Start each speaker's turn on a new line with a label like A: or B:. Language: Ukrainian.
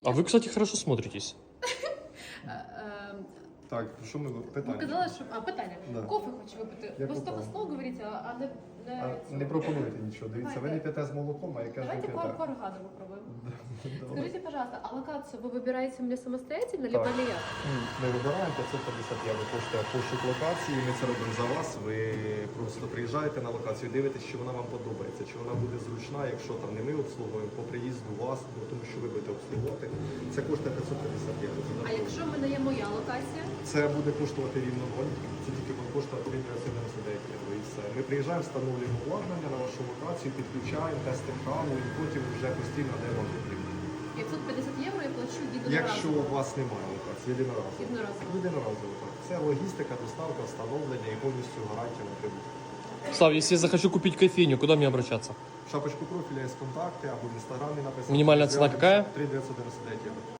A: А вы, кстати, хорошо смотритесь.
B: Так, що ми
C: Ви
B: питання?
C: казали, що... питання.
B: Да.
C: Кофе хочу випити.
B: Я
C: Ви з того
B: попав.
C: слова говорите, а не...
B: Не пропонуєте нічого. Дивіться, ви не
C: Давайте.
B: п'єте з молоком, а я кажу,
C: Давайте
B: п'єте.
C: Коргаду попробуем.
B: Давай.
C: Скажите, пожалуйста, а локацию вы выбираете мне самостоятельно,
B: Так.
C: либо ли я?
B: Ми вибираємо 550 євро коштує пошук локації, ми це робимо за вас. Ви просто приїжджаєте на локацію, дивитесь, чи вона вам подобається, чи вона буде зручна, якщо там не ми обслуговуємо, по приїзду вас, ну, тому що ви будете обслуговувати. Це коштує 550 євро.
C: А якщо в мене є моя локація?
B: Це буде коштувати рівно 0, це тільки буде коштувати 399 євро і все. Ми приїжджаємо, встановлюємо обладнання на вашу локацію, підключаємо, тестимо камеру і потім вже постійно даємо потрібно.
C: 550 євро я плачу
B: Якщо
C: єдиноразово.
B: у вас немає локації, єдиноразово.
C: Єдиноразово.
B: Єдиноразово, так. Це логістика, доставка, встановлення і повністю гарантія на прибуток.
A: Слав, если я захочу купить кофейню, куда мне обращаться?
B: В шапочку профіля є контакти або в інстаграмі написано.
A: Мінімальна ціна яка?
B: 3,999 євро.